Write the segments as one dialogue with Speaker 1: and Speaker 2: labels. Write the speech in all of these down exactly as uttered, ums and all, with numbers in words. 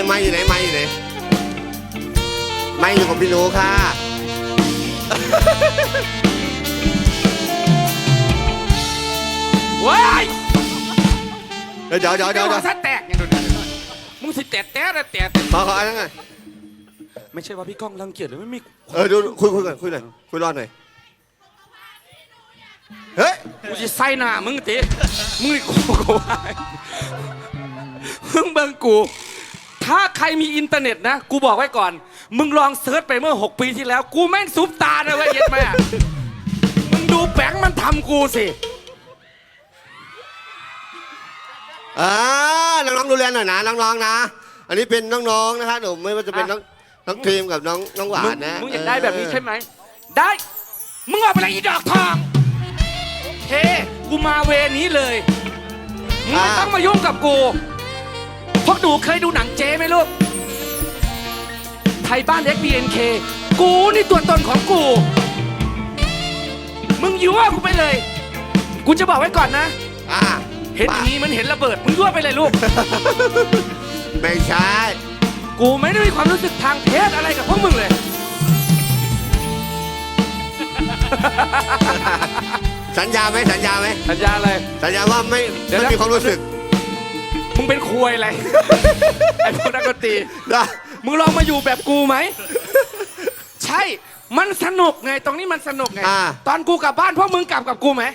Speaker 1: ไม่อยู่ไหนไม่อยู่ไหนไม่อยู่กับพี่หนูค่ะ
Speaker 2: ว้าย
Speaker 1: เดี๋ยวเดี๋ยวเดี๋ยวเดี๋ยว
Speaker 2: ซะแตกอย่างเดียวมึงสิแตะแตะแตะแตะ
Speaker 1: ขอขออันนั้นไง
Speaker 2: ไม่ใช่ว่าพี่ก้องรังเกียจหรือไม่มี
Speaker 1: เออดูคุยคุยกันคุยหน่อยคุยรอดหน่อยเฮ้ย
Speaker 2: กูจะใส่หน้ามึงตีมึงนี่กูกูว่ามึงเบิ่งกู ถ้าใครมีอินเทอร์เน็ตนะกูบอกไว้ก่อนมึงลองเซิร์ชไปเมื่อหกปีที่แล้วกูแม่งซุปตานะเว้ยเย็ดแม่มึงดูแบงค์มันทำกูสิ
Speaker 1: อ่าน้องๆดูแลหน่อยนะน้องๆนะอันนี้เป็นน้องๆนะคะหนูไม่ว่าจะเป็นน้องน้องครีมกับน้องน้องหวานนะ
Speaker 2: มึงอยากได้แบบนี้ใช่ไหมได้มึงเอาไปเลยอีดอกทองเฮ้กูมาเวนี้เลยมึงไม่ต้องมายุ่งกับกูพวกหนูเคยดูหนังเจ๊ไหมลูกไทยบ้าน เอ็กซ์ บี เอ็น เค กูนี่ตัวตนของกูมึงยั่วกูไปเลยกูจะบอกไว้ก่อนนะ
Speaker 1: อ่า
Speaker 2: เห็นอย่างนี้มันเห็นระเบิดมึงยั่วไปเลยลูก
Speaker 1: ไม่ใช่
Speaker 2: กูไม่ได้มีความรู้สึกทางเพศอะไรกับพวกมึงเลย
Speaker 1: สัญญาไหมสัญญาไหม
Speaker 2: สัญญาอะไร
Speaker 1: สัญญาว่าไม่ไม่มีความรู้สึก
Speaker 2: มึงเป็นควยอะไร ไอ้พวกนักดนตรี
Speaker 1: ได้
Speaker 2: มึงลองมาอยู่แบบกูไหม ใช่ มันสนุกไงตรงนี้มันสนุกไง ตอนกูกลับบ้านพวกมึงกลับกับกูไหม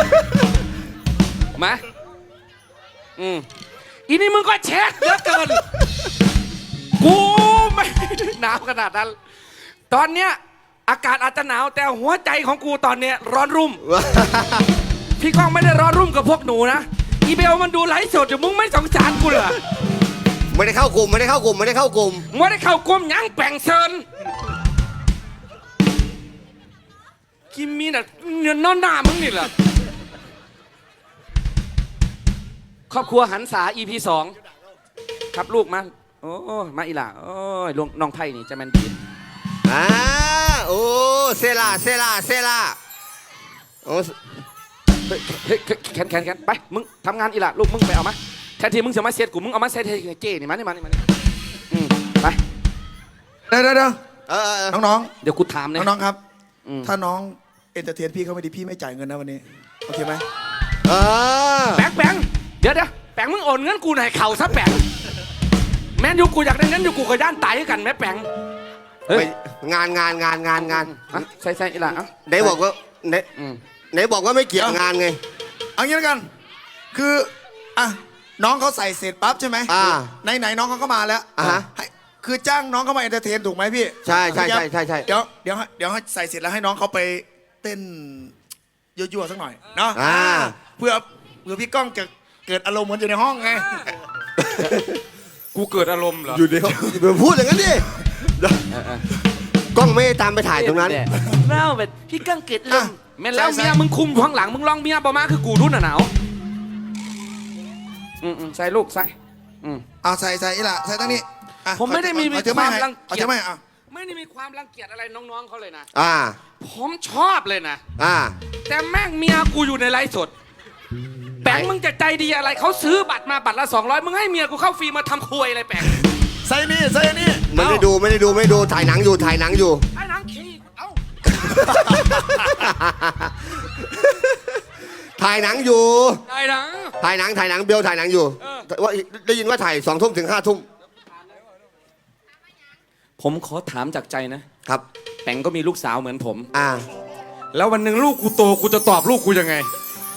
Speaker 2: มาอืมอีนี่มึงก็เช็คเยอะเกิน กูไม่หนาวขนาดนั้น ตอนเนี้ยอากาศอาจจะหนาวแต่หัวใจของกูตอนเนี้ยร้อนรุ่ม พี่ก้องไม่ได้ร้อนรุ่มกับพวกหนูนะอีเบลมันดูไลฟ์สดอยู่มึงไม่สงสารกูเหรอ
Speaker 1: ไม่ได้เข้ากลุ่มไม่ได้เข้ากลุ่มไม่ได้เข้ากลุ่ม
Speaker 2: ไม่ได้เข้ากลุ่มยังแป่งเซินกิมมีน่ะเงินนอนหน้ามึงนี่เหรอครอบครัวหันษา อี พี สองครับลูกมาโอ้มาอีหล่าโอ้ยลงน้องไผ่นี่จะแมนดี
Speaker 1: อ่าโอ้เซล่าเซล่าเซล่าโอ้
Speaker 2: เฮ้ยแขนแขนแขนไปมึงทำงานอีหล่าลูกมึงไปเอามาแทนที่มึงจะมาเซตกูมึงเอามาเซตให้เจ้นี่มานี่มานี่มานี่อืมไป
Speaker 3: เดี๋ยวเดี๋ยวน้อง
Speaker 2: ๆเดี๋ยวกูถามเลย
Speaker 3: น้องๆครับถ้าน้องเอนเตอร์เทนพี่เขาไม่ดีพี่ไม่จ่ายเงินนะวันนี้โอเคไหม
Speaker 1: เออ
Speaker 2: แบงค์แบงค์เดี๋ยวเดี๋ยวแบงค์มึงโอนเงินกูหน่อยเข่าซะแบงค์แม่นอยู่กูอยากได้เงินอยู่กูกับย่านตายกันแม่แบงค์
Speaker 1: งานงานงานงานงาน
Speaker 2: ใส่ใส่อีหล่า
Speaker 1: ไหนบอกว่าไหนไหนบอกว่าไม่เกี่ยวงานไง
Speaker 3: เอางี้แล้วกันคืออ่ะน้องเขาใส่เสร็จปั๊บใช่ไหม
Speaker 1: อ่า
Speaker 3: ไหนไหนน้องเขาก็มาแล้ว
Speaker 1: อ่า
Speaker 3: คือจ้างน้องเขามาเอนเตอร์เทนถูกไหมพี่
Speaker 1: ใช่ใช่ใช่ใช่ใช่
Speaker 3: เดี๋ยวเดี๋ยวเดี๋ยวให้ใส่เสร็จแล้วให้น้องเขาไปเต้นยั่วๆสักหน่อยเนาะเพื่อเพื่อพี่ก้องจะเกิดอารมณ์เหมือนอยู่ในห้องไง
Speaker 2: กูเกิดอารมณ์เหรอ
Speaker 1: อยู่ในห้องอย่าพูดอย่างนั้นดิกล้องไม่ตามไปถ่ายตรงนั้น
Speaker 2: เล่าแบบพี่ก้องเกิดอารมณ์แม่แล้วเมียมึงคุมข้างหลังมึงลองเมียประมาณคือกูรุ่นหนาวอืมใส่ลูกใส่
Speaker 3: อืมเอาใส่ใส่อีหล่ะใส่ตั้งนี้
Speaker 2: ผมไม่ได้มีความรังเกียจ
Speaker 3: ไม่
Speaker 2: ไม่ได้มีความรังเกียจอะไรน้องๆเขาเลยนะ
Speaker 1: อ่า
Speaker 2: ผมชอบเลยนะ
Speaker 1: อ่า
Speaker 2: แต่แม่งเมียกูอยู่ในไลฟ์สดแปงมึงจะใจดีอะไรเขาซื้อบัตรมาบัตรละสองร้อยมึงให้เมียกูเข้าฟรีมาทำควยอะไรแปง
Speaker 3: ใส่นี่ใส่นี่
Speaker 1: ไม่ได้ดูไม่ได้ดูไม่ดูถ่ายหนังอยู่ถ่ายหนังอยู่
Speaker 2: ถ่ายหนังขี้เอ้า
Speaker 1: ถ่ายหนังอยู่
Speaker 2: ถ่ายหนัง
Speaker 1: ถ่ายหนังถ่ายหนังเบลถ่ายหนังอยู่ว่าได้ยินว่าถ่ายสองทุ่มถึงห้าทุ่ม
Speaker 2: ผมขอถามจากใจนะครับแปงก็มีลูกสาวเหมือนผม
Speaker 1: อ่า
Speaker 2: แล้ววันหนึ่งลูกกูโตกูจะตอบลูกกูยังไง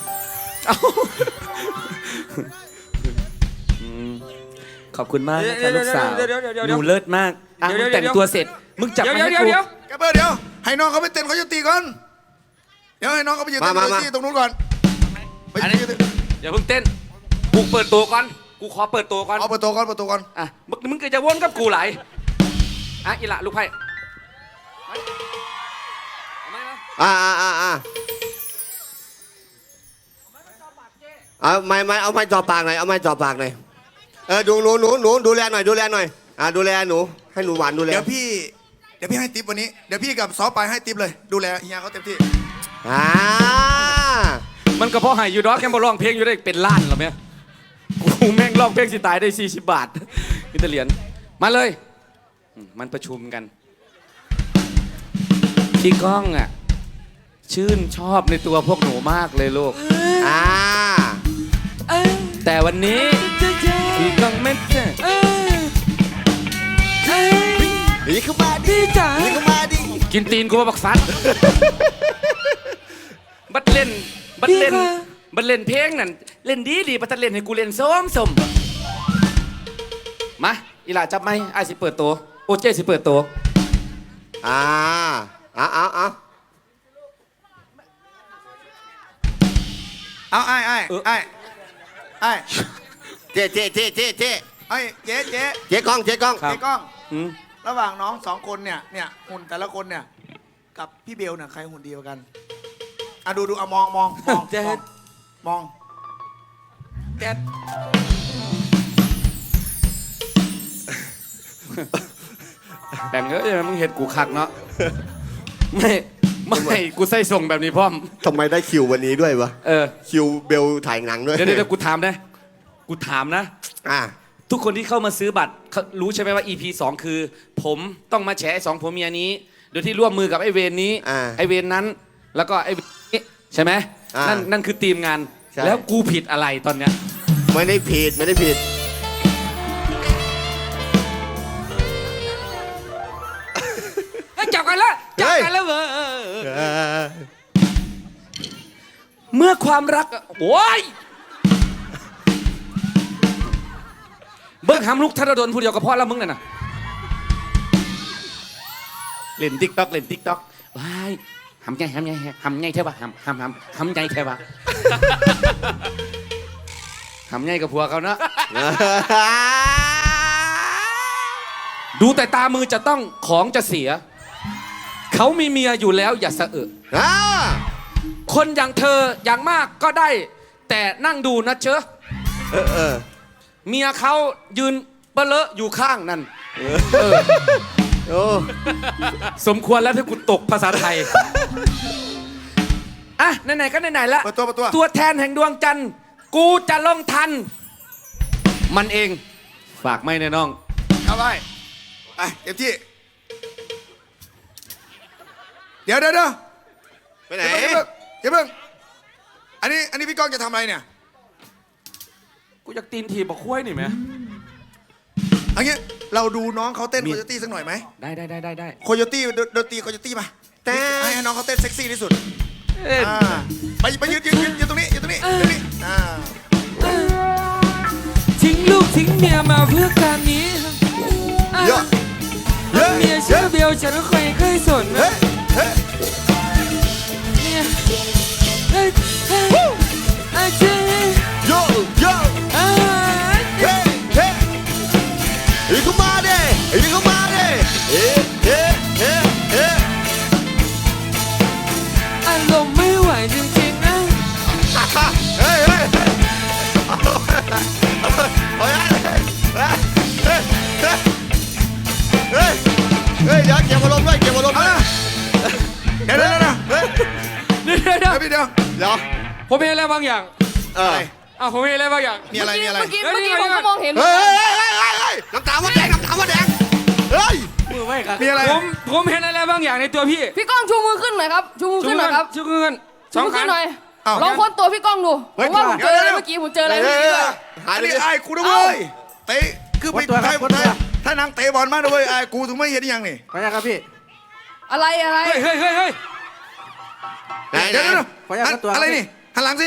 Speaker 2: ขอบคุณมากนะครับลูกสาวหนูเลิศมากอ่ะมึงแต่งตัวเสร็จมึงจับมาให้กู
Speaker 3: เดี๋ยวเดี๋ยวให้น้องเขาไปเต้นเขาจะตีก่อนเดี๋ยวให้น้องเขาไปยืนเต้นเขาตีตรงนู้นก่อน
Speaker 2: อย่าเพิ่งเต้นกูเปิดตัวก่อนกูขอเปิดตัวก่อน
Speaker 3: เอาเปิดตัวก่อนเปิดตัวก่อน
Speaker 2: อ่ะมึงมึงก็จะวนกับกูไหลอ่ะอีหละลูกไพ่
Speaker 1: อ่าอ่าอ่าอ่าเอาไม้ไม้เอาไม้จ่อปากหน่อยเอาไม้จ่อปากหน่อยเออดูหนูหนูหนูดูแลหน่อยดูแลหน่อยอ่าดูแลหนูให้หนูหวานดูแล
Speaker 3: เดี๋ยวพี่เดี๋ยวพี่ให้ทิปวันนี้เดี๋ยวพี่กับซอปไปให้ทิปเลยดูแลเฮียเขาเต็มที่
Speaker 1: อ่า
Speaker 2: มันก็เพราะให้ยูดอสแกมบอลร้องเพลงอยู่ได้เป็นล้านหรอเมียกูแม่งร้องเพลงสิตายได้สี่สิบบาทอิตาเลียนมาเลยอืมมันประชุมกัน พี่ก้องอ่ะ ชื่นชอบในตัวพวกหนูมากเลยลูก
Speaker 1: อ่า
Speaker 2: แต่วันนี้ พี่ก้องไม่เจอ
Speaker 1: หนีเข้ามาดิจ๋าหนีเข้ามาดิ
Speaker 2: กินตีนกูมาบักฟัด บัดเล่น บัดเล่น บัดเล่นเพลงนั่น เล่นดีดีบัดเล่นให้กูเล่นส้มสมมา อีหล่าจับไหมไอ้ายสิเปิดตัว โอเจสิเปิดตัว
Speaker 1: อ่าเอาเอาเอา
Speaker 3: เอาไอ้ไอ้
Speaker 2: เออ
Speaker 3: ไอ้ไอ้
Speaker 1: เจ๊เจ๊เจ๊เจ๊เจ๊
Speaker 3: ไอ้เจ๊เจ๊
Speaker 1: เจ๊กล้องเจ๊กล้อง
Speaker 2: ครับ
Speaker 3: เจ๊กล้อง
Speaker 2: อืม
Speaker 3: ระหว่างน้องสองคนเนี่ยเนี่ยหุ่นแต่ละคนเนี่ยกับพี่เบลเนี่ยใครหุ่นดีกว่ากันอ่ะดูดูอ่ะมองมองมอง
Speaker 2: เจ๊
Speaker 3: มองมองแจ๊ด
Speaker 2: แบ่งเยอะเลยมึงเห็นกูคักเนาะ ไม่ ไม่ กูใส่ส่งแบบนี้พร้อม
Speaker 1: ทำไมได้คิววันนี้ด้วยวะ
Speaker 2: เออ
Speaker 1: คิวเบลถ่ายหนังด้วย
Speaker 2: เดี๋ยวเดี๋ยวกูถามนะ กูถามนะ
Speaker 1: อ่า
Speaker 2: ทุกคนที่เข้ามาซื้อบัตรเขารู้ใช่ไหมว่า อี พี สอง คือ ผมต้องมาแฉไอ้สองผัวเมียนี้ โดยที่ร่วมมือกับไอ้เวรนี้
Speaker 1: อ่า
Speaker 2: ไอ้เวรนั้น แล้วก็ไอ้เวรนี้ใช่ไหม
Speaker 1: อ่านั่
Speaker 2: นั่นนั่นคือทีมงาน
Speaker 1: ใช่
Speaker 2: แล้วกูผิดอะไรตอนเนี้ย
Speaker 1: ไม่ได้ผิดไม่ได้ผิด
Speaker 2: เฮ้ยจับกันแล้วจับกันแล้วเว้ย
Speaker 1: เออ
Speaker 2: เมื่อความรักอะโอ้ยเบิ้งหำลูกธนดลผู้เดียวกับพ่อแล้วมึงน่ะนะเล่นติ๊กต็อกเล่นติ๊กต็อกว้ายหำใหญ่หำใหญ่หำใหญ่ใช่ปะหำหำหำหำใหญ่ใช่ปะ หำใหญ่กับผัวเขาเนาะดูแต่ตามือจะต้องของจะเสีย เขามีเมียอยู่แล้วอย่าสะเอะ
Speaker 1: อ่า
Speaker 2: คนอย่างเธออย่างมากก็ได้ แต่นั่งดูนะเชอะ
Speaker 1: เออเออ
Speaker 2: เมียเขายืนเปลอะอยู่ข้างนั่นเออ
Speaker 1: โอ้
Speaker 2: สมควรแล้วที่กูตกภาษาไทย อ่ะ ไหนๆก็ไหนๆแล้ว
Speaker 3: เปิดตัวเปิดตัว
Speaker 2: ตัวแทนแห่งดวงจันทร์ กูจะลงทัน มันเอง ฝากไม่แน่น้อง
Speaker 3: เอาไปไปเต็มที่เดี๋ยวเดี๋ยวเดี๋ยว
Speaker 1: ไปไหน
Speaker 3: อย่าเพิ่งอย่าเพิ่งอันนี้อันนี้พี่ก้องจะทำอะไรเนี่ย
Speaker 2: กูอยากตีนทีบอกคุ้ยนี่ไหม
Speaker 3: อันนี้เราดูน้องเขาเต้น
Speaker 2: มี
Speaker 3: โคโยตี้สักหน่อยไหม
Speaker 2: ได้ได้ได้ได้ได้
Speaker 3: โคโยตี้ดนตรีโคโยตี้มา
Speaker 1: แต่
Speaker 3: ให้ให้น้องเขาเต้นเซ็กซี่ที่สุด
Speaker 2: เอ้ย
Speaker 3: อ่าไปไปยืนยืนยืนยืนตรงนี้ยืนตรงนี้ยืนตรงนี้อ่า
Speaker 4: ทิ้งลูกทิ้งเมียมาเพื่อการนี้
Speaker 1: เยอะเยอะ
Speaker 4: เมียชื่อเบลฉันก็เคยเคยสนนะ
Speaker 3: เฮ้ยเฮ้ย
Speaker 4: เมียเฮ้ยเฮ้ยอาเจ
Speaker 1: โยโย
Speaker 4: อา
Speaker 1: เฮ้เฮ้อีเข้ามาดิอีเข้ามาดิเฮ้เฮ้เฮ้เฮ้
Speaker 4: อารมณ์ไม่ไหวจริงๆนะ
Speaker 1: เฮ้ยเฮ้ยเฮ้ยเฮ้ยเฮ้ยเฮ้ยเดี๋ยวเก็บอารมณ์ด้วยเก็บอารมณ์ด้วย
Speaker 3: เดี๋ยวเดี๋ยวเดี๋ยว
Speaker 1: เฮ้ย
Speaker 4: เดี๋ยวเดี๋ยว
Speaker 3: เดี๋ยวพี่เดี๋ยว
Speaker 1: เดี๋ยว
Speaker 4: ผมมีอะไรบางอย่าง
Speaker 1: เออ
Speaker 4: อ้าวผมมีอะไรบางอย่าง
Speaker 3: มีอะไรมีอะไร
Speaker 5: เมื่อกี้เมื่อกี้ผมก็มองเห็น
Speaker 1: เฮ้ยเฮ้ยเฮ้ยเฮ้ยเฮ้ยน้ำตาว่าแดงน้ำตาว่าแดงเฮ้ย
Speaker 4: มือไว้ครับ
Speaker 3: มีอะไร
Speaker 4: ผมผมเห็นอะไรบางอย่างในตัวพี่
Speaker 5: พี่ก้องชูมือขึ้นหน่อยครับชูมือขึ้นหน่อยครับ
Speaker 4: ชูมือขึ้นส
Speaker 5: ชู
Speaker 4: อง
Speaker 5: มือ
Speaker 4: ขั
Speaker 5: ขึ้
Speaker 4: น
Speaker 5: นหน่อย
Speaker 3: อ้าว
Speaker 5: ลองค้นตัวพี่ก้องดูผ
Speaker 3: เฮ้ย
Speaker 5: มว่าผมเจออะไร
Speaker 3: เดี๋ยว
Speaker 5: เมื่อกี้ผมเจออะไร
Speaker 1: เฮ้
Speaker 5: เมื่อกี้
Speaker 1: ย
Speaker 5: ด้วย
Speaker 1: หาย
Speaker 3: อัน
Speaker 1: ไป
Speaker 3: นี้
Speaker 1: เลย
Speaker 3: ไอ้กูนะเว้ยเตะคือไปไทยไทยถ้านางเตะบอลมากนะเว้ยไอ้กูถึงไม่เห็นยังนี่
Speaker 4: ขออนุญาตครับพี่
Speaker 5: อะไรอะไร
Speaker 4: เฮ้ยเฮ้ยเฮ้ยเฮ้ย
Speaker 1: ไหนไหน
Speaker 3: เดี๋ยวเดี๋ยวเดี๋ยว
Speaker 4: ขออนุญาตครับตัว
Speaker 3: อะไรนี่หันหลังสิ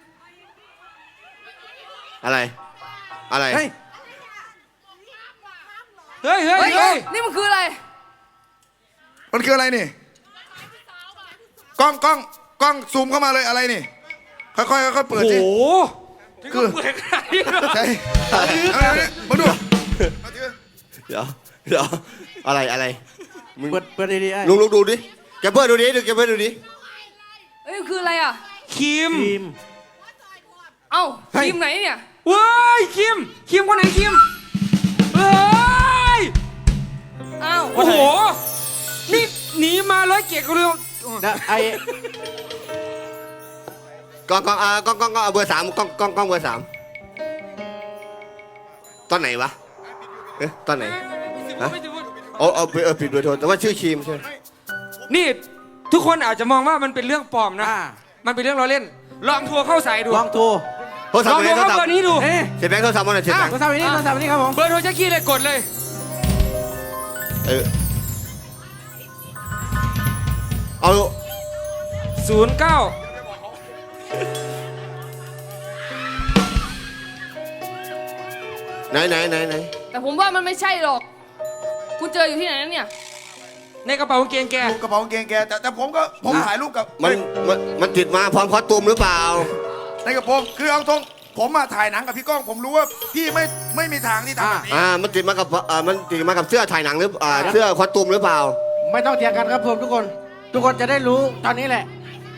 Speaker 1: อะไร อะไร
Speaker 4: เฮ้ยเฮ้ยเฮ้ย
Speaker 5: เฮ้ย
Speaker 4: เฮ้ย
Speaker 5: นี่มันคืออะไร
Speaker 3: มันคืออะไรนี่กล้องกล้องกล้องซูมเข้ามาเลยอะไรนี่ค่อยๆค่อยๆเปิด
Speaker 2: โอ้
Speaker 3: สิ
Speaker 2: โห
Speaker 3: คือ
Speaker 4: เปิดขนาดนี้เหรอ
Speaker 3: ใช่เอาเอาเอามาดูเอาดิ
Speaker 1: เดี๋ยวเดี๋ยวอะไรอะไรมึง
Speaker 4: เปิดเปิดดีๆไอ้
Speaker 1: ลุงลุงดูดิแกเปิดดูดิดูแกเปิดดูดิ
Speaker 5: เฮ้ยมันคืออะไรอ่ะ
Speaker 4: คิม
Speaker 5: เอ้าทีมไหนเนี่ย
Speaker 4: เว้ยคิมคิมคนไหนคิมเฮ้ย
Speaker 5: อ้าว
Speaker 4: โอ้โหนี่หนีมาร้อยเกียรติกันเลย
Speaker 6: ไอ้
Speaker 1: กล้องกล้องอ่ากล้องกล้องกล้องเอาเบอร์สามกล้องกล้องกล้องเบอร์สามตอนไหนวะเอ๊ะตอนไหน
Speaker 2: พูดไม่ถึงพูด
Speaker 1: เอาเอาเออผิดเบอร์โทรแต่ว่าชื่อครีมใช่ไหม
Speaker 4: นี่ทุกคนอาจจะมองว่ามันเป็นเรื่องปลอมนะ มันเป็นเรื่องเราเล่น ลองโทรเข้าสายดู
Speaker 6: ลองโทร
Speaker 1: โทรศัพ
Speaker 4: ล
Speaker 1: ท์
Speaker 4: อง
Speaker 1: ไป
Speaker 4: โท
Speaker 1: ไหน
Speaker 4: ร
Speaker 1: โทร
Speaker 4: เข้า
Speaker 1: ศัพ
Speaker 4: เบอ
Speaker 1: ท์
Speaker 4: ร์นี้ดู
Speaker 6: เอ๊ะ
Speaker 1: เสียแบงค์โทรศัพท์มาหน่อยเสียแบงค์
Speaker 6: โทรศัพท์อันนี้โทรศัพท์อันนี้ครับผม
Speaker 4: เบอร์โทรแจ็คกี้เลยกดเลย
Speaker 1: เออเอา
Speaker 4: ศูนย์เก้า
Speaker 1: ไหนไหนไหนไหน
Speaker 5: แต่ผมว่ามันไม่ใช่หรอก คุณเจออยู่ที่ไหนนั่นเนี่ย
Speaker 4: ในกระเป๋ากางเกงแก
Speaker 3: ดูกระเป๋ากางเกงแกแต่แต่ผมก็ผมถ่ายรูปกับ
Speaker 1: มันมันมันติดมาพร้อมคอสตูมหรือเปล่า
Speaker 3: ในกระโปรงคือเอาตรงผมมาถ่ายหนังกับพี่ก้อง ผมรู้ว่าพี่ไม่ไม่มีทางที่ทำแบบนี้
Speaker 1: อ่ามันติดมากับอ่ามันติดมากับเสื้อถ่ายหนังหรืออ่าเสื้อคอสตูมหรือเปล่า
Speaker 6: ไม่ต้องเถียงกันครับผมทุกคน ทุกคนจะได้รู้ตอนนี้แหละ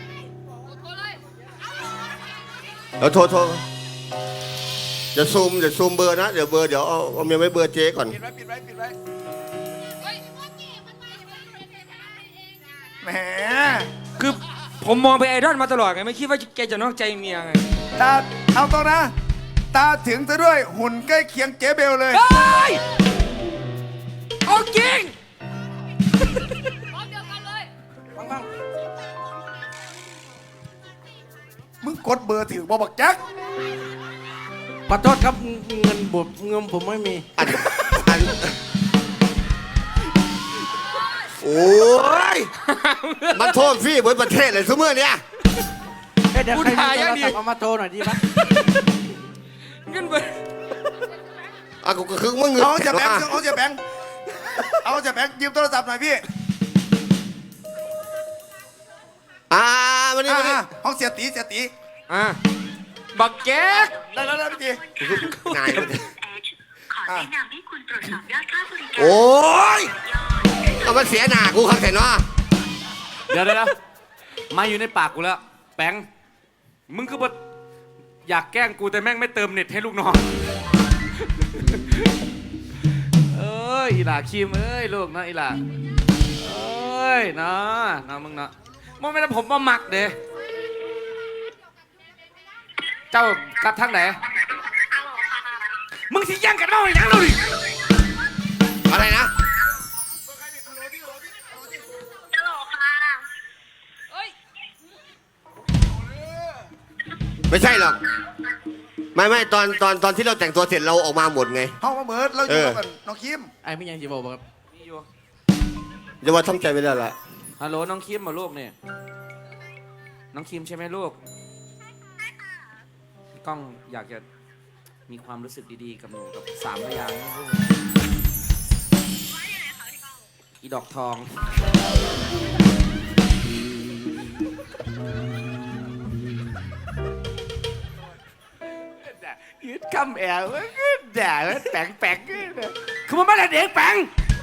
Speaker 1: เดี๋ยวโทรโทรจะซูมจะซูมเบอร์นะเดี๋ยวเบอร์เดี๋ยวเอาเอาเมียไว้เบอร์เจ๊ก่อน
Speaker 3: ปิดไว้ปิดไว้ปิดไว้แหม
Speaker 4: คือผมมองไปไอดอลมาตลอดไงไม่คิดว่าแกจะนอกใจเมียไง
Speaker 3: ตาเอาตรงนะ ตาถึงซะด้วยหุ่นใกล้เคียงเจ๊เบลเลย
Speaker 4: เฮ้ยเอาจริง
Speaker 5: พร้อมเดียวกันเลย
Speaker 3: มึงกดเบอร์ถือบอกบักแจ็ค
Speaker 6: ขอโทษครับเงินบุบเงินผมไม่มี
Speaker 1: อันอันโอ้ยมันโทษฟรีบนประเทศเลยทุกเมื่อเนี่ย
Speaker 6: เอ้ยเดี๋ยว
Speaker 4: กู
Speaker 6: ใครมี
Speaker 4: ถ่าย
Speaker 6: โท
Speaker 4: ยั
Speaker 6: รง
Speaker 4: ดี
Speaker 6: ศัพท์เอามาโทรหน่อยดีปะ
Speaker 4: เงินไป
Speaker 1: อ่ะก็คือมึง
Speaker 3: เอาจะแบงค์เอาจะแบงค์เอาจะแบงค์ยืมโทรศัพท์หน่อยพี่
Speaker 1: อ่ามานี่มานี่
Speaker 3: อ่าห้องเสียตีเสียตี
Speaker 4: อ่ะบักแก๊ก
Speaker 3: ได้แล้วได้พี่ตี
Speaker 1: นายมัน
Speaker 7: ขอแนะนำให้คุณตรวจสอบยอดค่าบริการ
Speaker 1: โอ้ยเอามาเสียหน้ากูครับแต่เนาะ
Speaker 6: เดี๋ยวเดี๋ยวมาอยู่ในปากกูแล้ว แป้ง
Speaker 4: มึงคือแบบอยากแกล้งกูแต่แม่งไม่เติมเน็ตให้ลูกน้อง
Speaker 6: เอ้ยอีหล่าครีมเอ้ยลูกนะอีหล่าเอ้ยนะนะมึงนะ
Speaker 4: มันไม่ได้ผมมาหมักเด้เจ้ากลับทางไหน มึงสิย่างกันเมาอย่างนั้นเลย
Speaker 1: อะไรนะ
Speaker 7: ฮัลโหลค่ะ
Speaker 5: เฮ้ย
Speaker 1: ไม่ใช่หรอกไม่ไม่ตอนตอนตอนที่เราแต่งตัวเสร็จเราออกมาหมดไง
Speaker 3: ห้องมาเบิร์ดเราอยู่
Speaker 1: เออ
Speaker 3: กับน้องคิม
Speaker 6: ไอ้ไม่ยังจีบอกครับ
Speaker 1: จะว่าทำใจไม่ได้ละ
Speaker 6: ฮัลโหลน้องคิมมาลูกเนี่ยน้องคิมใช่ไหมลูกพี่ก้องอยากจะมีความรู้สึกดีๆกับหนูกับสามพยางค์นี่ลูกอีดอกทอง
Speaker 4: ยืดคำแอวด่าแล้วแปลงแปลงคือมันไม่ได้เด็กแปลง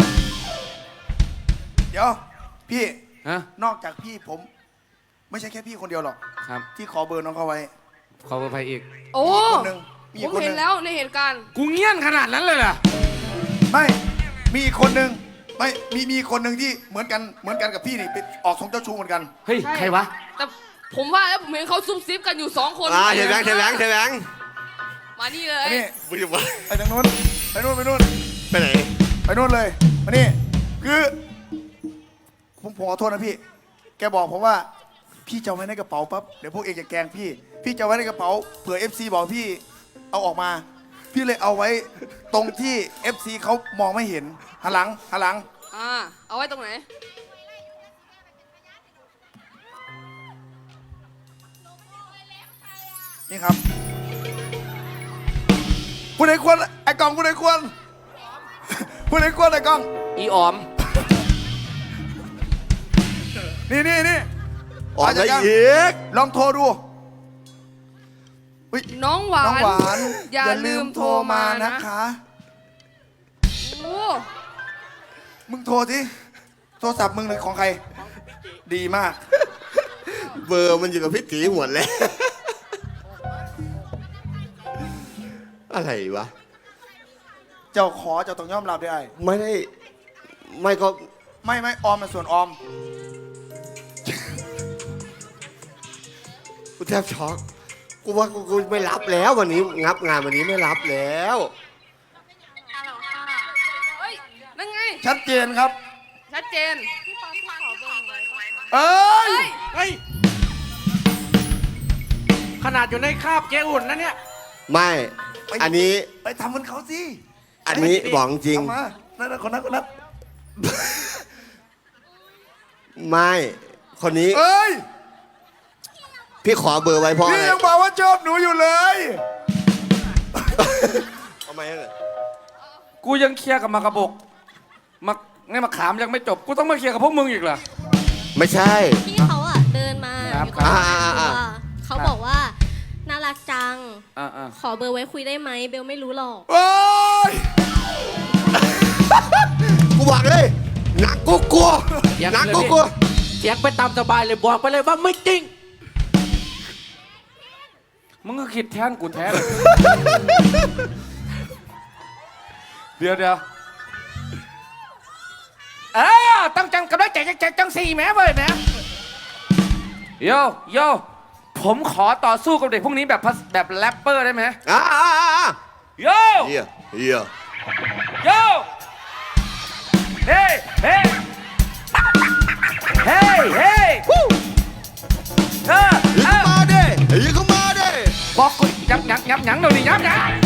Speaker 3: เดี๋ยวพี่
Speaker 6: ฮะ
Speaker 3: นอกจากพี่ผม ไม่ใช่แค่พี่คนเดียวหรอก
Speaker 6: ครับ
Speaker 3: ที่ขอเบอร์น้องเขาไว้
Speaker 6: ขอไปอีก
Speaker 5: โอ้
Speaker 3: มีคนหนึ่งมี
Speaker 5: ผม
Speaker 3: คนห
Speaker 5: เห็
Speaker 3: นึ่
Speaker 5: น
Speaker 3: ง
Speaker 5: แล้วในเหตุการณ์
Speaker 4: กูเงี้ยนขนาดนั้นเลยเหรอ
Speaker 3: ไม่มีอีกคนหนึ่งไม่มีมีคนหนึ่งที่เหมือนกันเหมือนกันกับพี่นี่เป็นออกทรงเจ้าชู้เหมือนกัน
Speaker 6: เฮ้ย
Speaker 5: ใช่
Speaker 6: ใครวะ
Speaker 5: แต่ผมว่าแล้วผมเห็นเขาซุบซิบกันอยู่สองคน
Speaker 1: อ่าเทแบงค์เทแบงค์เทแบงค์
Speaker 5: มานี่เลย
Speaker 3: อันนี้
Speaker 1: ไม่รู้ว่า
Speaker 3: ไปทางนู้นไปนู้นไปนู้น
Speaker 1: ไปไหน
Speaker 3: ไปนู้นเลยมานี่คือผมผมขอโทษนะพี่ แกบอกผมว่าพี่จะเอาไว้ในกระเป๋าปั๊บเดี๋ยวพวกเองจะแกล้งพี่ พี่จะเอาไว้ในกระเป๋าเผื่อ เอฟ ซี บอกพี่เอาออกมา พี่เลยเอาไว้ตรงที่ เอฟ ซี เขามองไม่เห็นหันหลังหันหลัง
Speaker 5: อ่าเอาไว้ตรงไหน
Speaker 3: นี่ครับผู้ใดควรไอ้กล้องผู้ใดควรผู้ใดควรไอ้กล้อง
Speaker 6: อีออม
Speaker 3: นี่นี่นี่
Speaker 1: ออก
Speaker 3: มา
Speaker 1: แล้
Speaker 3: จาก
Speaker 1: ว
Speaker 3: ยัง
Speaker 1: อีก
Speaker 3: ลองโทรดูอุ๊ย
Speaker 5: น้องหวา
Speaker 3: น้อง
Speaker 5: น
Speaker 3: หวาน
Speaker 5: อย่าลืมโทรมานะ
Speaker 3: นะคะ
Speaker 5: โอ้
Speaker 3: มึงโทรสิโทรศัพท์มึงหรือของใคร ดีมาก
Speaker 1: เบอร์มันอยู่กับพี่ตีหมดแล้ว อะไรวะ
Speaker 3: เจ้าขอเจ้าต้องยอมรับได้ไอ้
Speaker 1: ไม่ได้ไม่ก็
Speaker 3: ไม่ไม่ออมมันส่วนออม
Speaker 1: กูแทบช็อกกูว่ากูกูไม่รับแล้ววันนี้งับงานวันนี้ไม่รับแล้ว
Speaker 7: ฮัลโหลค่ะ
Speaker 5: เฮ้ยนั่นไง
Speaker 3: ชัดเจนครับ
Speaker 5: ชัดเจน
Speaker 3: เอ้ย
Speaker 6: เฮ้ย ขนาดอยู่ในคาบเจ๊อุ่นนะเนี่ย
Speaker 1: ไม่ อันนี้
Speaker 3: ไปทำเหมันเขาสิ
Speaker 1: อันนี้บอกจริง
Speaker 3: เอามานั่นนะคนนั้นคนนั้น
Speaker 1: ไม่ คนนี้
Speaker 3: เอ้ย
Speaker 1: พี่ขอเบอร์ไว้เพราะอะ
Speaker 3: พี่
Speaker 1: ไร
Speaker 3: ยังบอกว่าชอบหนูอยู่เลย
Speaker 1: ทำไมอะ
Speaker 2: กูยังเคลียร์กับมากระบกมาเนี่ยมาขามยังไม่จบ กูต้องมาเคลียร์กับพวกมึงอีกเหรอ
Speaker 1: ไม่ใช่
Speaker 8: พี่เขาอ่ะเดินมา
Speaker 2: ครับ
Speaker 8: อยู่ตรงหน้า
Speaker 1: อ่าอ่า
Speaker 8: ตัว
Speaker 1: อ่า
Speaker 8: เขาบอกว่าน่ารักจัง
Speaker 2: อ่าอ่า
Speaker 8: ขอเบอร์ไว้คุยได้ไหมเบลไม่รู้หรอก
Speaker 3: โอ้ย
Speaker 1: กูบอกเลยหนักกูกลัวหนักกูกลัว
Speaker 6: เสียงไปตามสบายเลยบอกไปเลยว่าไม่จริง
Speaker 2: มึงก็คิดแทนกูแทนเลย เดี๋ยวเดี๋ยวเออต้องจังกับได้แจกแจกจังสี่แม้เว้ยนะโยโยผมขอต่อสู้กับเด็กพวกนี้แบบพัสแบบแรปเปอร์ได้ไหม
Speaker 1: อ่าอ่าอ่าอ่า
Speaker 2: โย
Speaker 1: เฮียเฮีย
Speaker 2: โยเฮ้เฮ้เฮ้เฮ้ฮู้เออ
Speaker 1: ยิ
Speaker 2: เอง อ
Speaker 1: มาดิยิงเข้ามาดิ
Speaker 2: บอกกูยับยับยับยั้งเดี๋ยวนี้ยับยั้ง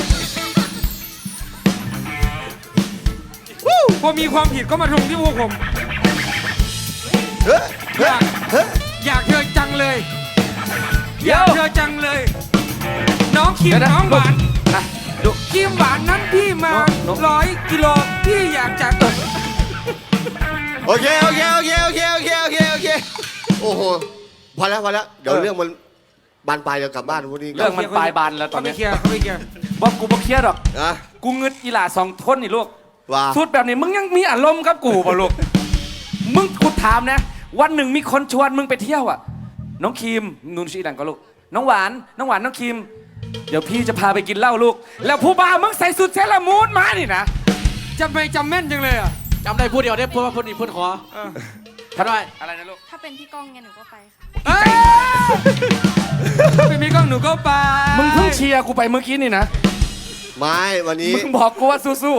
Speaker 4: พอมีความผิดก็มาทวงที่พวกผม
Speaker 1: เฮ้ยเฮ้ยเฮ้ย
Speaker 4: อยากเธอจังเลย
Speaker 2: เดี๋
Speaker 4: อย ยากเธอจังเลย น้องคิม
Speaker 2: เดี๋ยวนะ
Speaker 4: น้องหวาน
Speaker 2: นะดู
Speaker 4: คิมหวานนั้นพี่มา
Speaker 2: โน้โน้
Speaker 4: ร้อยกิโลพี่อยากจะ
Speaker 1: โอเคโอเคโอเคโอเคโอเคโอเคโอเคโอ้โหพอแล้วพอแล้วเดี๋ยวเรื่องมันบานปลายเดี๋ยวกลับบ้านพวกนี้
Speaker 2: เรื่องมันปลายบานแล้วตอน
Speaker 4: เขาไม่
Speaker 2: นี้
Speaker 4: เคลียร์เขาไม่เคลียร์
Speaker 2: บอกกูบอกเคลียร์หรอก
Speaker 1: นะ
Speaker 2: กูเงึดอีหล่าสองทนนี่ลูก
Speaker 1: ว่า
Speaker 2: สุดแบบนี้มึงยังมีอารมณ์กับกูป่ะลูก มึงกูถามนะ วันหนึ่งมีคนชวนมึงไปเที่ยวอ่ะ น้องครีมนูนชีดังก็ลูก น้องหวาน น้องหวานน้องครีม เดี๋ยวพี่จะพาไปกินเหล้าลูก แล้วผู้บ่าวมึงใส่สุดเซรามูนมานี่นะ
Speaker 4: จำไม่จำแม่นจังเลยอ่ะ
Speaker 6: จำได้พูดเดียวได้พูดว่าพูดนี้พูดขอทัดไว้
Speaker 2: อะไรนะลูก
Speaker 5: ถ้าเป็นพี่ก้องไงหนูก็ไปค่ะ
Speaker 4: เอ้ยไม่มีกล้องหนูก็ไป
Speaker 2: มึงเพิ่งเชียร์กูไปเมื่อกี้นี่นะ
Speaker 1: ไม่วันนี้
Speaker 2: มึงบอกกูว่าสู้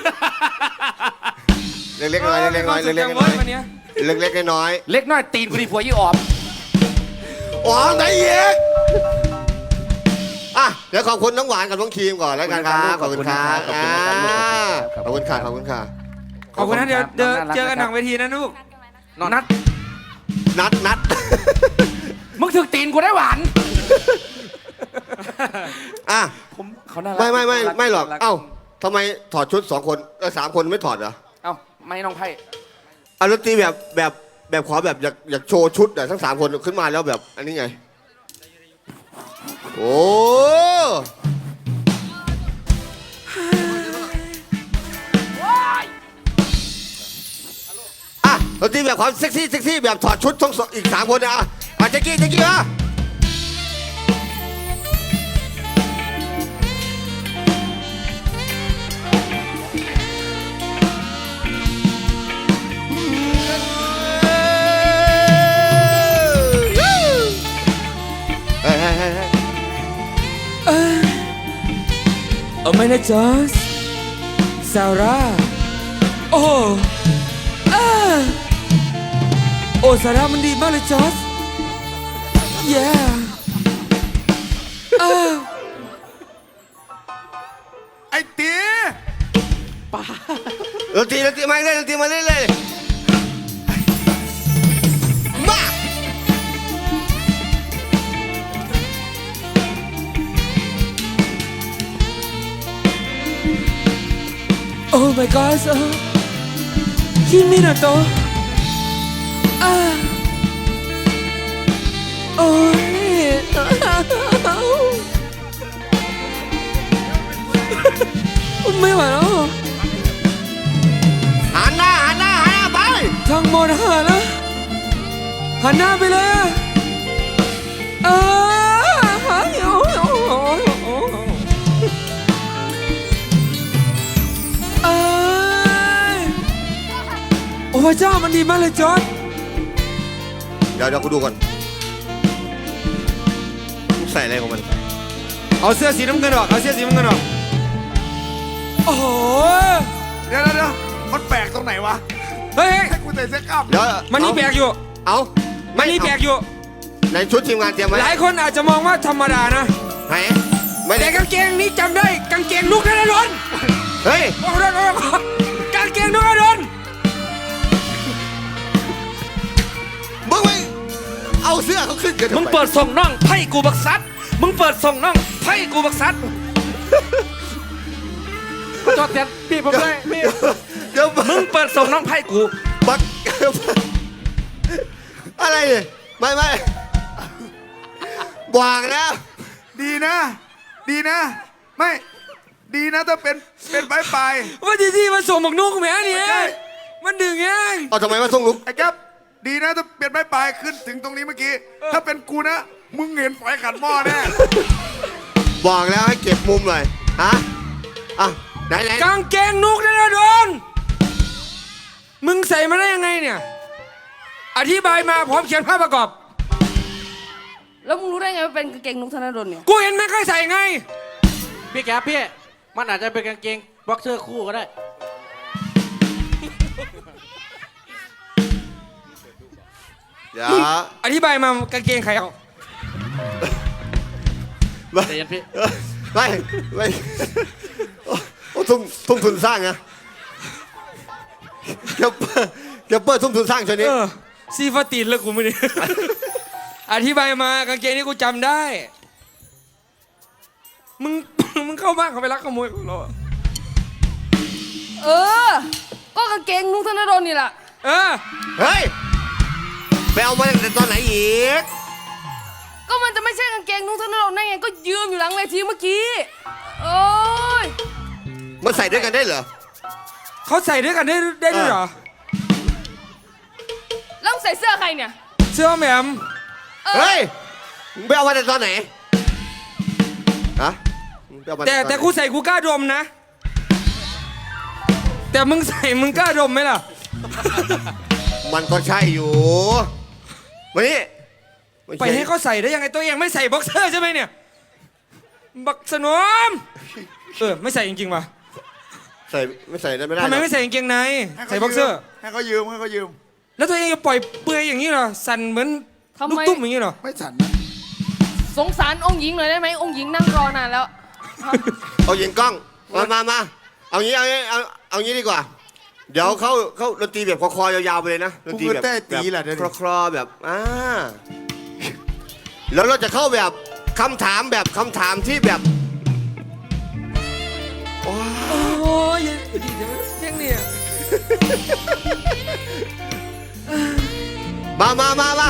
Speaker 1: เล็กๆน้อยๆเล็กๆน้อยๆเล็กๆน้อย
Speaker 4: วันเนี้ย
Speaker 1: ๆเล็กๆน้อย
Speaker 2: ๆ เล็กน้อยตีนกูดีผัวยี่ออม
Speaker 1: ๆอ๋อไหนเอกอ่ะเดี๋ยวขอบคุณน้องหวานกับน้องครีมก่อนแล้วกันครับขอบคุณครับอ่าขอบคุณค่ะขอบคุณค่ะ
Speaker 4: ขอบคุณนะเดี๋ยวเดี๋ยว
Speaker 2: น้องน่ารัก
Speaker 4: เจอกันหนังเวทีนะลูก
Speaker 2: นัด
Speaker 1: นัดนัด
Speaker 2: มึงถึกตีนกูได้หวาน
Speaker 1: อ่ะ
Speaker 2: ผมเขาน่ารัก
Speaker 1: ไม่ไม่ไม่
Speaker 2: น่ารั
Speaker 1: ไม่หรอก
Speaker 2: น่า
Speaker 1: เอ้าทำไมถอดชุดสองคนเออสามคนไม่ถอดเหรอ
Speaker 2: เอ้าไม่น้องไพ่
Speaker 1: เอาดนตรีแบบแบบแบบขอแบบอยากอยากโชว์ชุดอะทั้งสามคนขึ้นมาแล้วแบบอันนี้ไง โอ้อะดนตรีแบบความเซ็กซี่เซ็กซี่แบบถอดชุดทั้งสองอีกสามคนนะอ่ะอ่ะแจ็กกี้แจ็กกี้มาเฮ้ยเฮ้ยเฮ้ยเฮ้ย
Speaker 4: โอ้ไม่นะจอสซาร่าโอ้เออโอ้ซาร่ามันดีมากเลยจอสเย้เออ
Speaker 3: ไอ้ตี
Speaker 1: ดนตรีดนตรีมาเรื่อยดนตรีมาเรื่อยเลยมา
Speaker 4: โอ้ my god เออคิมิโนโตะอ่าโอ้ยไม่ไหวแล้ว
Speaker 1: หันหน้าหันหน้าหันหน้าไป
Speaker 4: ทั้งหมดหันนะหันหน้าไปเลยอะเออหันโอ้โหเอ้ยโอ้พระเจ้ามันดีมากเลยจอร์จ
Speaker 1: เดี๋ยวเดี๋ยวกูดูก่อนมึงใส่อะไรของมัน
Speaker 4: เอาเสื้อสีน้ำเงินออกเอาเสื้อสีน้ำเงินออกโอ้โห
Speaker 3: เดี๋ยวเดี๋ยวเดี๋ยวมันแปลกตรงไหนวะ
Speaker 4: เฮ้ยเฮ้ย
Speaker 3: ให้กูใส่เสื้อกล้าม
Speaker 1: เดี๋ยว
Speaker 4: มันนี่แปลกอยู่
Speaker 1: เอา
Speaker 4: มันนี่แปลกอยู่
Speaker 1: ในชุดทีมงานเตรียมไว้
Speaker 4: หลายคนอาจจะมองว่าธรรมดานะ
Speaker 1: ไหนไม่ได้
Speaker 4: แต่กางเกงนี้จำได้กางเกงนุกธนดล
Speaker 1: เฮ้ย
Speaker 4: โอ้โหโอ้โหกางเกงนุกธนดล
Speaker 1: มึงไม่เอาเสื้อเขาขึ้นกันทำไ
Speaker 2: มึงเปิดส่งน่องไพ่กูบักซัดมึงเปิดส่งน่องไพ่กูบักซัดขอโทษแทนพี่ผมด้วยพี่
Speaker 1: เดี๋ยว
Speaker 2: มึงเปิดส่งน่องไพ่กู
Speaker 1: บักอะไรเนี่ยไม่ไม่บอกนะ
Speaker 3: ดีนะ ดีนะ ไม่ดีนะถ้าเป็นเป็นปลายปลาย
Speaker 4: ว่าที่ที่มันส่งหมกนุกแหมเนี่ย
Speaker 3: ใช่
Speaker 4: มันดึงเอง
Speaker 1: เอาทำไมมาส่งลุก
Speaker 3: ไอ้แก๊ปดีนะถ้าเป็นปลายปลายขึ้นถึงตรงนี้เมื่อกี้ ถ้าเป็นกูนะ มึงเห็นฝอยขันหม้อแน่
Speaker 1: บอกแล้วให้เก็บมุมหน่อยฮะอ่ะไหนไหน
Speaker 4: กางเกงนุกธนดลมึงใส่มาได้ยังไงเนี่ยอธิบายมาพร้อมเขียนภาพประกอบ
Speaker 5: แล้วมึงรู้ได้ไงว่าเป็นกางเกงนุกธนดลเนี่ย
Speaker 4: กูเห็นไม่เคยใส่ไง
Speaker 6: พี่แกพี่ มันอาจจะเป็นกางเกงบ็อกเซอร์คู่ก็ได้
Speaker 1: เดี๋ยว
Speaker 4: อธิบายมากางเกงใครเอา
Speaker 1: ไม่
Speaker 6: ใจเย็นพี่
Speaker 1: ไม่ไม่โอ้โอ้ทุ่มทุ่มทุนสร้างนะเก็บเก็บเปิดทุ่มทุนสร้างชนิด
Speaker 4: เออซีฟาตีนเลยกูไม่ได้ อธิบายมากางเกงนี้กูจำได้ มึง มึงเข้าบ้านเขาไปลักขโมยของเราอะ
Speaker 5: เออ ก็กางเกงนุกธนดลนี่แหละ
Speaker 4: เออ
Speaker 1: เฮ้ยไปเอามาตั้งแต่ตอนไหนอีก
Speaker 5: ก็มันจะไม่ใช่กางเกงนุกธนดลได้ไงก็ยืมอยู่หลังเวทีเมื่อกี้โอ้ย
Speaker 1: มันใส่ด้วยกันได้เหรอ
Speaker 4: เขาใส่ด้วยกันได้ได้ด้วยเหรอ
Speaker 5: แล้วมึงใส่เสื้อใครเนี่ย
Speaker 4: เสื้อแหมม
Speaker 1: เฮ้ยมึงไปเอามาแต่ตอนไหนฮะมึงไปเอามา
Speaker 4: แต่
Speaker 1: อนไหน
Speaker 4: แต่กูใส่กูกล้าดมนะ แต่มึงใส่มึงกล้าดมไหมล่ะ
Speaker 1: มันก็ใช่อยู่มานี่ม่
Speaker 4: ไป
Speaker 1: ช่
Speaker 4: ให้เขาใส่ได้ยังไงตัวเองไม่ใส่บ็อกเซอร์ใช่ไหมเนี่ย บักสนมเออไม่ใส่จริงๆว่ะ
Speaker 1: ใส่ไม่ใส่ได้ไม่ได้
Speaker 4: ทำไม
Speaker 1: หรอก
Speaker 4: ไม่ใส่กางเกงใน
Speaker 3: ให้ขา
Speaker 4: ใส่บ็อกเซอร์
Speaker 3: ให้เขายืมให้เขายืม
Speaker 4: แล้วตัวเองจะปล่อยเปลือยอย่างนี้เหรอ สั่นเหมือน
Speaker 5: ทำไม
Speaker 4: ลูกตุ้มอย่างนี้เหรอ
Speaker 3: ไม่ฉันนะ
Speaker 5: สงสารองค์หญิงหน่อยได้ไหมองค์หญิงนั่งรอนานแล้ว
Speaker 1: เอายิงกล้องมามามาเอางี้เอางี้เอาเอางี้ดีกว่า เดี๋ยวเขาเขาดนตรีแบบคอๆยาวๆไปเลยนะดนตรีแบบ
Speaker 3: กูก็เต้ตีแหละเดี๋ยวนี้
Speaker 1: คลอๆแบบอ่าแล้วเราจะเข้าแบบคำถามแบบคำถามที่แบบโอ้ย
Speaker 4: โอ้ยดีจังเที่ยงเนี่ย
Speaker 1: มามามามา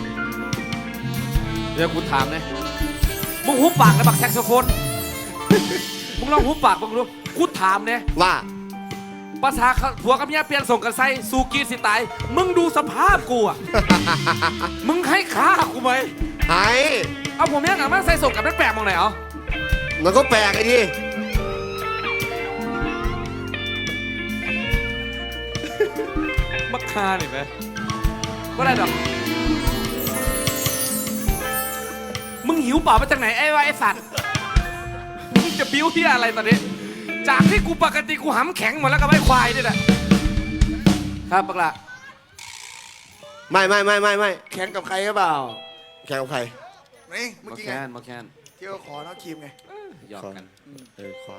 Speaker 6: เดี๋ยวกูถามเลยมึงหุบปากนะบักแซกโซโฟน มึงลองหุบปากมึงดูกูถามเนี่ย
Speaker 1: ว่า
Speaker 6: ภาษาผัวกับเมียเปลี่ยนส่งกันไซสูกีสิตาย มึงดูสภาพกูอ่ะ มึงให้ค่ากูไหม
Speaker 1: ไอ้
Speaker 6: เอาผมเนี่ยหนังมาใส่ส่งกับนักแปลกมองไหนเหรอ
Speaker 1: มันก็แปลกไอ้ดิ
Speaker 6: มักคาหนิไหมก็ได้ดอกมึงหิวเปล่ามาจากไหนไอ้วะไอ้สัตว์มึงจะบิ้วที่อะไรตอนนี้ จากที่กูปกติกูหำแข็งหมดแล้วกับไอ้ควายนี่แหละครับปักละ
Speaker 1: ไม่ไม่ไม่ไม่ไม่
Speaker 3: แข่งกับใครหรือเปล่า
Speaker 1: แข่งกับใคร
Speaker 3: นี่เมื่อ
Speaker 6: มา
Speaker 3: กี้
Speaker 6: แค
Speaker 3: ไง
Speaker 6: นมาแคน
Speaker 3: ที่เขาขอน้องครีมไง
Speaker 6: หยอกกัน
Speaker 1: เออขอ